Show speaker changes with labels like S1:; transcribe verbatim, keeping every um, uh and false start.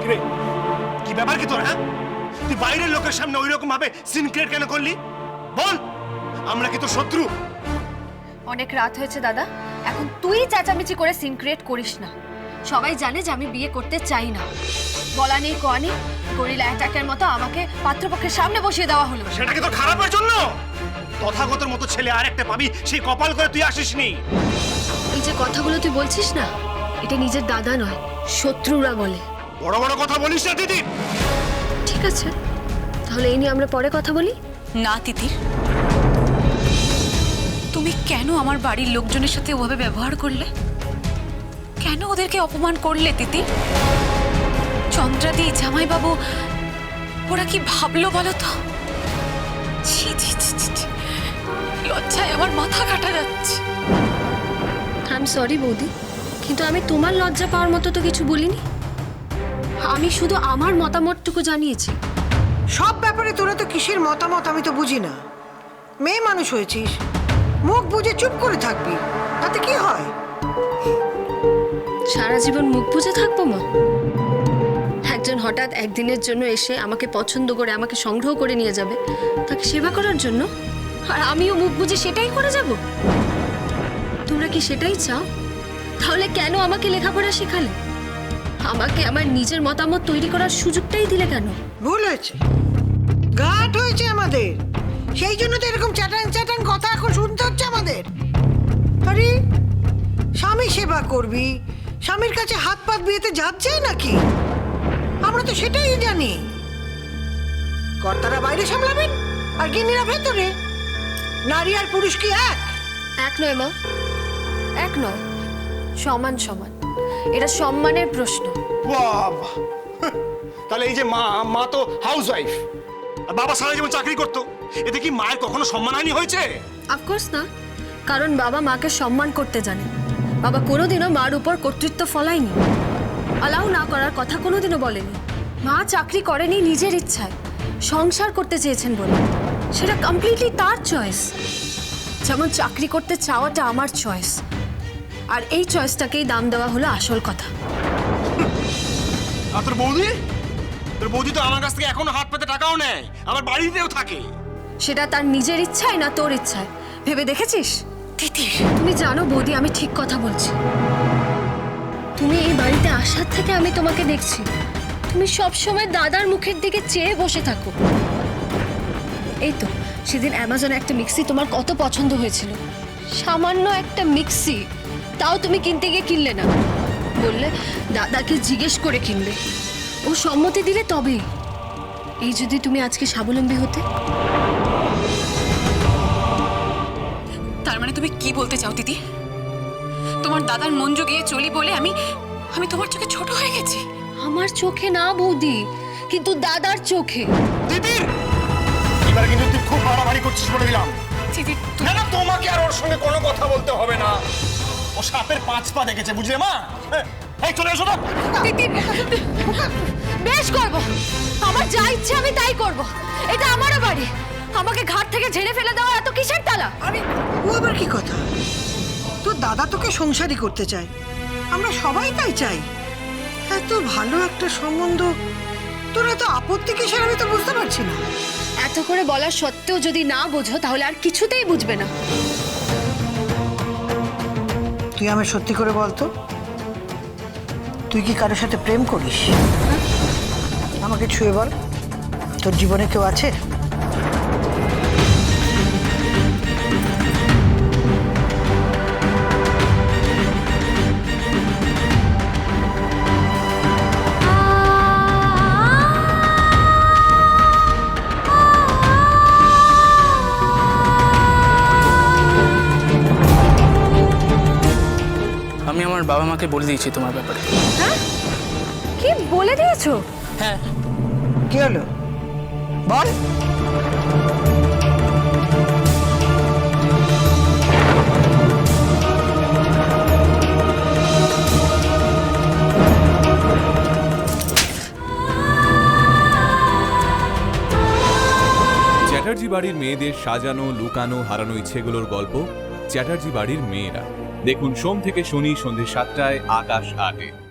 S1: রে কি ব্যাপার কি তোর? হ্যাঁ, তুই বাইরের লোকের সামনে ওই রকম ভাবে সিন ক্রিয়েট কেন করলি? বল, আমরা কি তোর শত্রু?
S2: অনেক রাত হয়েছে দাদা, এখন তুই চেঁচামেচি করে সিন ক্রিয়েট করিস না। সবাই জানে যে আমি বিয়ে করতে চাই না। বলা নেই কোয়া নেই, গরিলা অ্যাটাকের মতো আমাকে পাত্রপক্ষের সামনে বসিয়ে দেওয়া হলো।
S1: সেটা কি তোর খারাপের জন্য? তথাগতর মতো ছেলে আর একটা পাবি, সেই কপাল করে তুই আসিসনি।
S2: এই যে কথাগুলো তুই বলছিস না, এটা নিজের দাদা নয়, শত্রুরা বলে।
S1: বড় বড় কথা বলিস না দিদি।
S2: ঠিক আছে, তাহলে এই নিয়ে আমরা পরে কথা বলি।
S3: না তিতির, তুমি কেন আমার বাড়ির লোকজনের সাথে ওভাবে ব্যবহার করলে? কেন ওদেরকে অপমান করলে তিতির? চন্দ্রাদি, জামাইবাবু, ওরা কি ভাবলো বলো তো? ছি ছি ছি ছি ছি। লজ্জায় আমার মাথা কাটা যাচ্ছে।
S2: আই এম সরি বৌদি, কিন্তু আমি তোমার লজ্জা পাওয়ার মতো তো কিছু বলিনি। আমি শুধু আমার মতামতটুকু জানিয়েছি।
S4: সব ব্যাপারে তোরা তো কিসের মতামত আমি তো বুঝি না। মেয়ে মানুষ হয়েছিস, মুখ বুঝে চুপ করে থাকবি, তাতে কি হয়?
S2: সারা জীবন মুখ বুজে থাকবো মা? একজন হঠাৎ একদিনের জন্য এসে আমাকে পছন্দ করে আমাকে সংগ্রহ করে নিয়ে যাবে, তাকে সেবা করার জন্য, আর আমিও মুখ বুজে সেটাই করে যাব? তোমরা কি সেটাই চাও? তাহলে কেন আমাকে লেখাপড়া শেখালে? আমাকে আমার নিজের মতামত তৈরি করার সুযোগটাই দিলে কেন?
S4: ভুল হয়েছে, ঘাট হয়েছে আমাদের, সেই জন্য তো এরকম চ্যাটাং চ্যাটাং কথা এখন শুনতে হচ্ছে আমাদের। আরে স্বামী সেবা করবি, স্বামীর কাছে হাত পাত বিয়েতে যাচ্ছে নাকি? আমরা তো সেটাই জানি। কর্তারা বাইরে সামলাবেন আর গিন্নিরা ভেতরে। নারী আর পুরুষ কি এক?
S2: এক নয় মা, এক নয়, সমান সমান। এটা সম্মানের প্রশ্ন।
S1: বাবা, তাহলে এই যে মা, মা তো হাউস ওয়াইফ, আর বাবা সারা জীবন চাকরি করতো, এতে কি মায়ের কখনো সম্মানহানি হয়েছে?
S2: অফকোর্স না, কারণ বাবা মাকে সম্মান করতে জানে। বাবা কোনোদিনও মার উপর কর্তৃত্ব ফলায়নি, অ্যালাউ না করার কথা কোনোদিনও বলেনি। মা চাকরি করেনি নিজের ইচ্ছায়, সংসার করতে চেয়েছেন বলে। সেটা কমপ্লিটলি তার চয়েস, যেমন চাকরি করতে চাওয়াটা আমার চয়েস। আর এই চয়েসটাকেই দাম দেওয়া হলো আসল কথা।
S1: আর তোর বৌদি? তোর বৌদি তো আমার কাছ থেকে এখনো হাত পেতে টাকাও নেয়, আমার বাড়িতেও থাকে।
S2: সেটা তার নিজের ইচ্ছায় না তোর ইচ্ছায়, ভেবে দেখেছিস?
S3: তিতির,
S2: তুমি জানো বৌদি, আমি ঠিক কথা বলছি। তুমি এই বাড়িতে আসার থেকে আমি তোমাকে দেখছি, তুমি সব সময় দাদার মুখের দিকে চেয়ে বসে থাকো। এই তো সেদিন অ্যামাজনে একটা মিক্সি তোমার কত পছন্দ হয়েছিল, সামান্য একটা মিক্সি, তাও তুমি কিনতে গিয়ে কিনলে না, বললে দাদাকে জিজ্ঞেস করে কিনবে, ও সম্মতি দিলে তবেই। এই যদি তুমি আজকে স্বাবলম্বী হতে।
S3: তার মানে তুমি কি বলতে চাও দিদি? তোমার দাদার মন জুগিয়ে চলি বলে আমি আমি তোমার চোখে ছোট হয়ে গেছি?
S2: আমার চোখে না বৌদি, কিন্তু দাদার চোখে।
S1: দিদির এবারে কিন্তু তুই খুব বাড়াবাড়ি করছিস বলে দিলাম।
S3: দিদি,
S1: না না, তোমাকে আর ওর সঙ্গে কোনো কথা বলতে হবে না। ও সাপের পাঁচ পা দেখেছে, বুঝলে মা? হ্যাঁ, এই চলে এসো না।
S2: বেশ করব, আমার যা ইচ্ছে আমি তাই করব। এটা আমারও বাড়ি, আমাকে ঘাট থেকে ঝেড়ে ফেলে দেওয়া এত কিসের তালা?
S4: আরে ও আবার কি কথা? তোর দাদা তোকে সংসারই করতে চায়, আমরা সবাই তাই চাই। এত ভালো একটা সম্বন্ধ, তোরা তো আপত্তি কিসের আমি তো বুঝতে পারছি না।
S2: এত করে বলার সত্ত্বেও যদি না বোঝো তাহলে আর কিছুতেই বুঝবে না।
S4: তুই আমায় সত্যি করে বলতো, তুই কি কারোর সাথে প্রেম করিস? আমাকে ছুঁয়ে বল, তোর জীবনে কেউ আছে?
S5: আমি আমার বাবা মাকে বলে দিয়েছি তোমার ব্যাপারে।
S2: হ্যাঁ, কি বলে দিয়েছো?
S5: হ্যাঁ।
S4: কি হলো বল।
S6: চ্যাটার্জি বাড়ির মেয়েদের সাজানো, লুকানো, হারানো ইচ্ছেগুলোর গল্প চ্যাটার্জি বাড়ির মেয়েরা। দেখুন সোম থেকে শনি সন্ধ্যে সাতটায় আকাশ আটে।